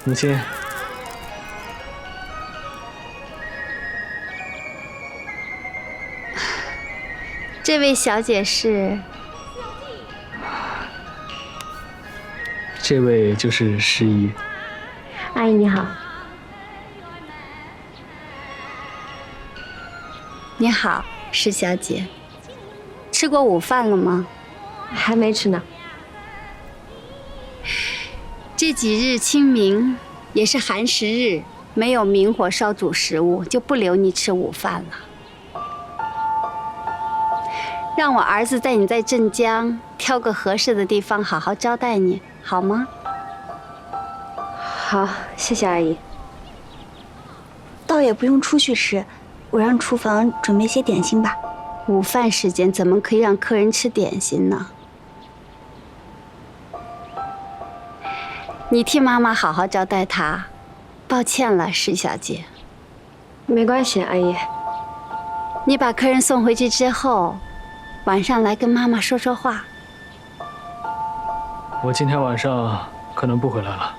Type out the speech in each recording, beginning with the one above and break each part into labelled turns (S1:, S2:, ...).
S1: 母亲。
S2: 这位小姐是？
S1: 这位就是诗怡。
S3: 阿姨你好。
S2: 你好，施小姐。吃过午饭了吗？
S3: 还没吃呢。
S2: 这几日清明，也是寒食日，没有明火烧煮食物，就不留你吃午饭了。让我儿子带你在镇江挑个合适的地方好好招待你，好吗？
S3: 好，谢谢阿姨。
S4: 倒也不用出去吃，我让厨房准备些点心吧。
S2: 午饭时间怎么可以让客人吃点心呢？你替妈妈好好招待她，抱歉了，施小姐。
S3: 没关系，阿姨。
S2: 你把客人送回去之后，晚上来跟妈妈说说话。
S1: 我今天晚上可能不回来了。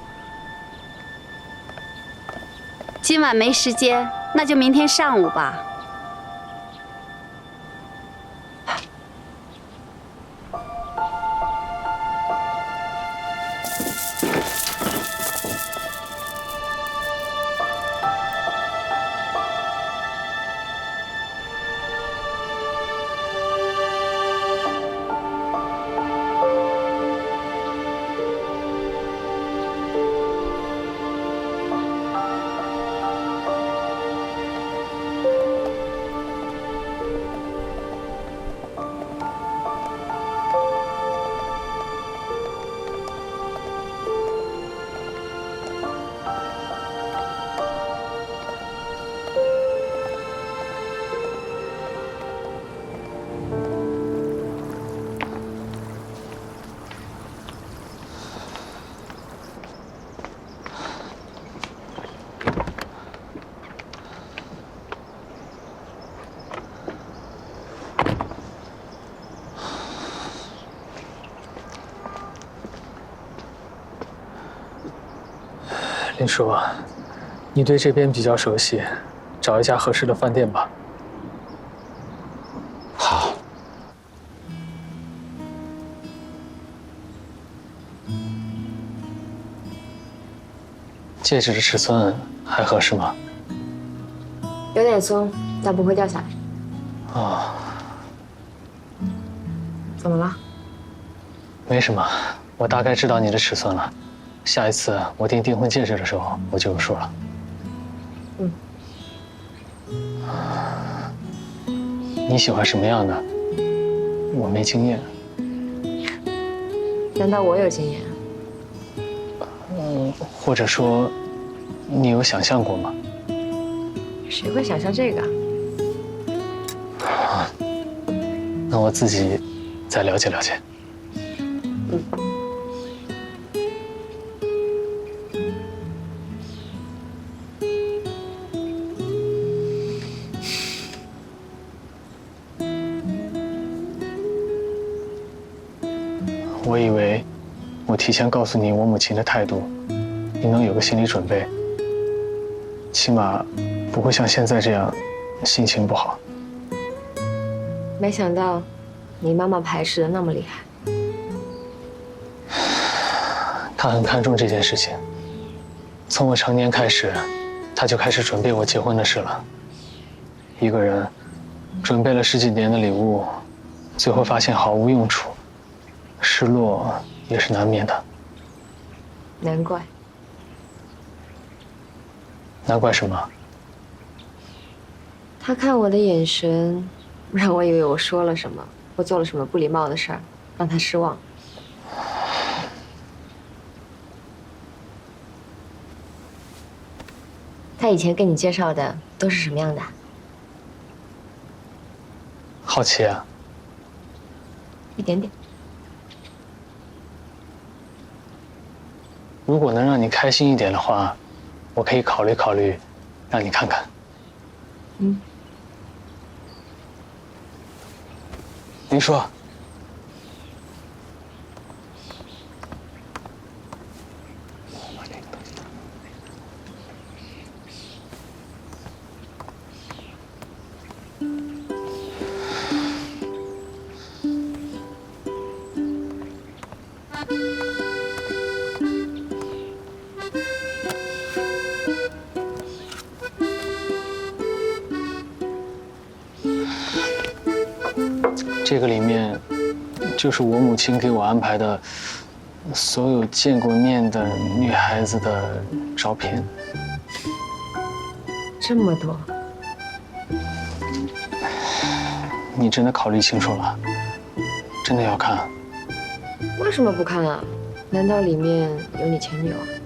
S2: 今晚没时间，那就明天上午吧。
S1: 林叔，你对这边比较熟悉，找一家合适的饭店吧。
S5: 好。
S1: 戒指的尺寸还合适吗？
S3: 有点松，但不会掉下来。
S1: 哦，
S3: 怎么了？
S1: 没什么，我大概知道你的尺寸了。下一次我订婚戒指的时候，我就有数了。
S3: 嗯。
S1: 你喜欢什么样的？我没经验。
S3: 难道我有经验？
S1: 或者说，你有想象过吗？
S3: 谁会想象这个？
S1: 那我自己再了解了解。
S3: 嗯。
S1: 我以为我提前告诉你我母亲的态度，你能有个心理准备，起码不会像现在这样心情不好。
S3: 没想到你妈妈排斥的那么厉害。
S1: 她很看重这件事情，从我成年开始，她就开始准备我结婚的事了。一个人准备了10几年的礼物，最后发现毫无用处，失落也是难免的。
S3: 难怪。
S1: 难怪什么？
S3: 他看我的眼神，让我以为我说了什么，我做了什么不礼貌的事儿，让他失望。他以前跟你介绍的都是什么样的？
S1: 好奇啊。
S3: 一点点。
S1: 如果能让你开心一点的话，我可以考虑考虑，让你看看。
S3: 嗯。
S1: 林叔。 这个里面就是我母亲给我安排的所有见过面的女孩子的照片。
S3: 这么多，
S1: 你真的考虑清楚了？真的要看？
S3: 为什么不看啊？难道里面有你前女友？